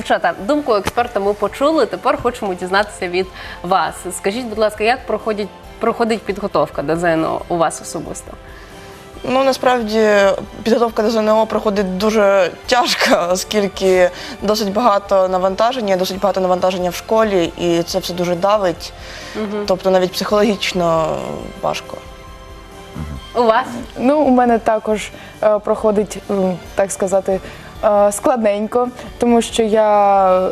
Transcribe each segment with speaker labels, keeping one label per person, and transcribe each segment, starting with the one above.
Speaker 1: Дівчата, думку експерта ми почули, тепер хочемо дізнатися від вас. Скажіть, будь ласка, як проходить підготовка до ЗНО у вас особисто?
Speaker 2: Ну, насправді, підготовка до ЗНО проходить дуже тяжко, оскільки досить багато навантаження в школі, і це все дуже давить. Тобто навіть психологічно важко.
Speaker 1: У вас?
Speaker 3: Ну, у мене також проходить, так сказати, складненько, тому що я...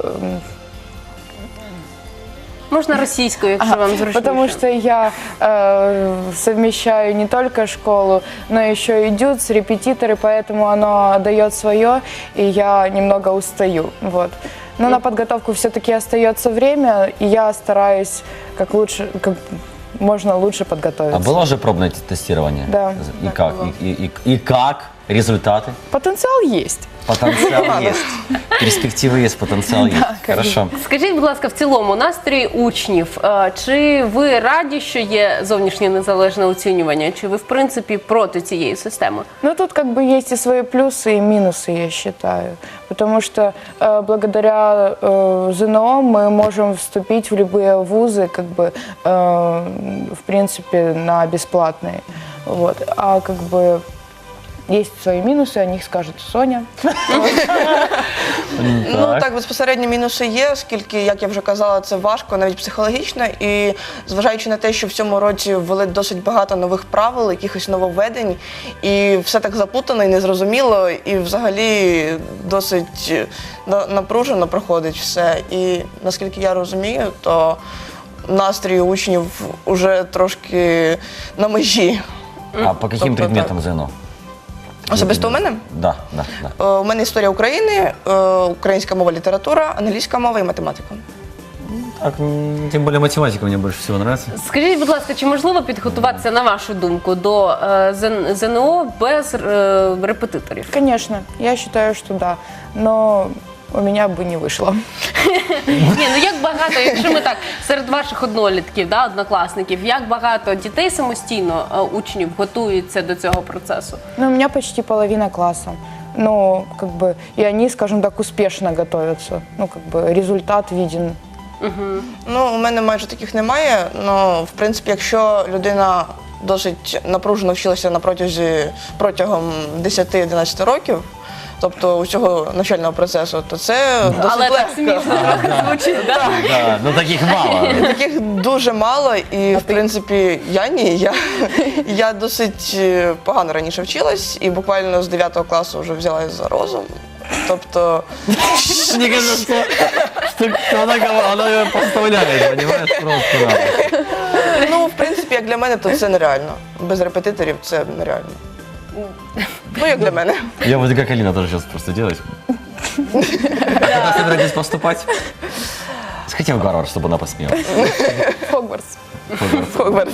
Speaker 1: Можна російською, якщо вам зручніше.
Speaker 3: Потому что я совмещаю не только школу, но еще и дюц, репетиторы, поэтому оно дает свое, и я немного устаю. Вот. Но на подготовку все-таки остается время, и я стараюсь как можно лучше подготовиться.
Speaker 4: А было уже пробное тестирование?
Speaker 3: Да.
Speaker 4: И как? И как? Результаты?
Speaker 3: Потенциал есть.
Speaker 4: Потенциал есть. Перспективы есть, потенциал есть. Хорошо.
Speaker 1: Скажіть, будь ласка, в цілому настрій учнів. Чи ви раді, що є зовнішнє незалежне оцінювання? Чи ви, в принципі, проти цієї системи?
Speaker 3: Ну, тут как бы есть и свои плюсы, и минусы, я считаю. Потому что благодаря ЗНО мы можем вступить в любые вузы, как бы, в принципе, на бесплатные. Вот. А как бы есть свои минусы, о них скажет Соня.
Speaker 2: Ну, так, безпосередньо мінуси є, оскільки, як я вже казала, це важко, навіть психологічно. І зважаючи на те, що в цьому році ввели досить багато нових правил, якихось нововведень, і все так заплутано і незрозуміло, і взагалі досить напружено проходить все. І наскільки я розумію, то настрій учнів уже трошки на межі.
Speaker 4: А по каким предметам ЗНО?
Speaker 2: Особисто у мене?
Speaker 4: Да.
Speaker 2: У мене історія України, українська мова, література, англійська мова і математика.
Speaker 4: Так, тем более математика мне больше всего нравится.
Speaker 1: Скажіть, будь ласка, чи можливо підготуватися, на вашу думку, до ЗНО без репетиторів?
Speaker 3: Конечно, я считаю, что да. Но у меня бы не вышло.
Speaker 1: Ні, ну як багато, якщо ми так, серед ваших однолітків, да, однокласників, як багато дітей самостійно, учнів, готуються до цього процесу?
Speaker 3: Ну, у меня почти половина класса. Ну, как бы, и они, скажем так, успешно готовятся. Ну, как бы, результат виден.
Speaker 2: Ну, у мене майже таких немає, але, в принципі, якщо людина досить напружено вчилася протягом 10-11 років, тобто усього навчального процесу, то це досить
Speaker 1: Але так
Speaker 2: легко.
Speaker 1: смішно трохи звучить, так?
Speaker 4: Да, но таких мало.
Speaker 2: Таких дуже мало, і, в принципі, я досить погано раніше вчилась, і буквально з 9 класу вже взялась за розум. Тобто,
Speaker 4: Мне кажется, что она ее поставляет, понимаешь, просто.
Speaker 2: ну, в принципі, як для мене, то це нереально. Без репетиторів це нереально. Ну, як для мене.
Speaker 4: Я буду как Алина тоже сейчас просто делать. Когда собираетесь поступать? Сходите в Гарвард, чтобы она посмеялась.
Speaker 3: Хогвартс.
Speaker 2: Хогвартс.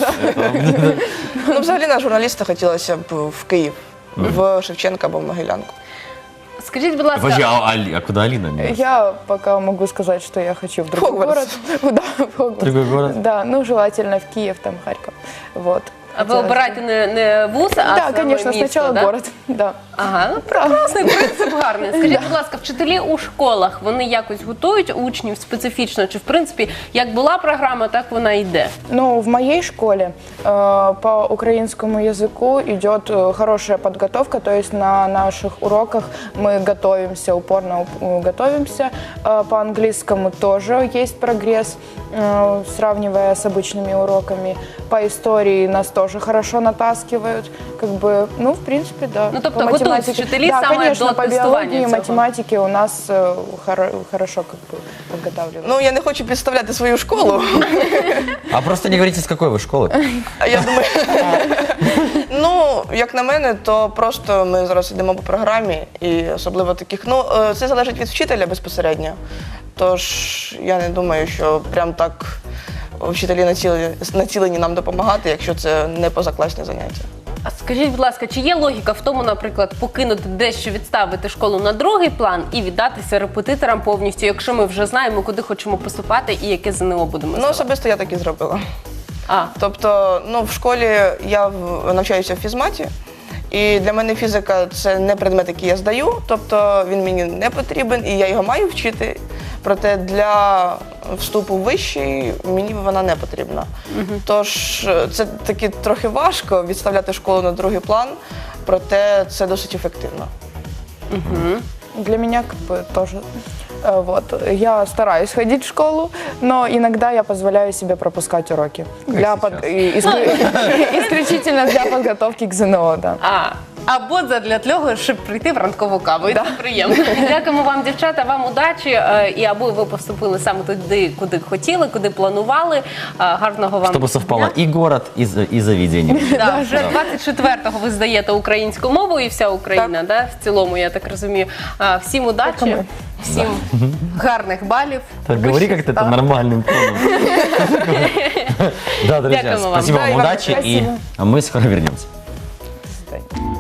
Speaker 2: Ну, взагалі на журналіста хотілося б в Київ, в Шевченка або в Могилянку.
Speaker 1: Скажіть, будь ласка,
Speaker 4: Подожди, а куда Алина?
Speaker 3: Я пока могу сказать, что я хочу в другой
Speaker 2: Хогвартс.
Speaker 3: город. Да, в Хогвартс.
Speaker 4: Другой город?
Speaker 3: Да, ну желательно в Киев, там Харьков. Вот.
Speaker 1: а ви обираєте не вуз, а
Speaker 3: Да,
Speaker 1: саме
Speaker 3: конечно,
Speaker 1: місто,
Speaker 3: сначала
Speaker 1: да?
Speaker 3: город. Да.
Speaker 1: Ага, ну прекрасний принцип гарний. Скажіть, будь ласка, вчителі у школах, вони якось готують учнів специфічно? Чи, в принципі, як була програма, так вона йде?
Speaker 3: Ну, в моей школе по украинскому языку идет хорошая подготовка, то есть на наших уроках мы готовимся, упорно готовимся. По английскому тоже есть прогресс, сравнивая с обычными уроками. По истории нас тоже хорошо натаскивают. Как бы, ну, в принципе, да.
Speaker 1: Ну, тобто
Speaker 3: По
Speaker 1: готують
Speaker 3: математике-
Speaker 1: вчителі
Speaker 3: да,
Speaker 1: саме
Speaker 3: конечно,
Speaker 1: до
Speaker 3: по
Speaker 1: тестування
Speaker 3: биологии и
Speaker 1: цього.
Speaker 3: математике у нас хорошо как бы подготавливают.
Speaker 2: Ну, я не хочу підставляти свою школу.
Speaker 4: А просто не говорите, с какой вы школы.
Speaker 2: А я думаю, ну, як на мене, то просто ми зараз йдемо по програмі, і особливо таких, ну, це залежить від вчителя безпосередньо. Тож, я не думаю, що прям так вчителі націлені нам допомагати, якщо це не позакласні заняття.
Speaker 1: А скажіть, будь ласка, чи є логіка в тому, наприклад, покинути дещо, відставити школу на другий план і віддатися репетиторам повністю, якщо ми вже знаємо, куди хочемо поступати і яке ЗНО будемо
Speaker 2: Ну,
Speaker 1: здавати?
Speaker 2: особисто я так і зробила.
Speaker 1: А,
Speaker 2: Тобто, ну, в школі я навчаюся в фізматі, І для мене фізика це не предмет, який я здаю, тобто він мені не потрібен і я його маю вчити. Проте для вступу в вищий мені вона не потрібна. Тож це таки трохи важко відставляти школу на другий план, проте це досить ефективно.
Speaker 3: Для меня как бы тоже. Вот. Я стараюсь ходить в школу, но иногда я позволяю себе пропускать уроки. Исключительно для подготовки к ЗНО, да.
Speaker 1: Або задля того, щоб прийти в ранкову каву. І це приємно. Дякуємо вам, дівчата, вам удачі. І аби ви поступили саме туди, куди хотіли, куди планували. Гарного вам
Speaker 4: Чтобы совпало
Speaker 1: дня.
Speaker 4: и город, и заведение.
Speaker 1: Да, вже 24-го ви здаєте українську мову і вся Україна, да, в цілому, я так розумію. Всім удачі, всім гарних балів.
Speaker 4: Так, говори как-то это нормальным тоном. Да, друзья,
Speaker 1: Дякуємо вам.
Speaker 4: спасибо
Speaker 3: Да, и
Speaker 4: вам,
Speaker 3: вам
Speaker 4: удачи, и
Speaker 3: спасибо.
Speaker 4: мы скоро вернемся.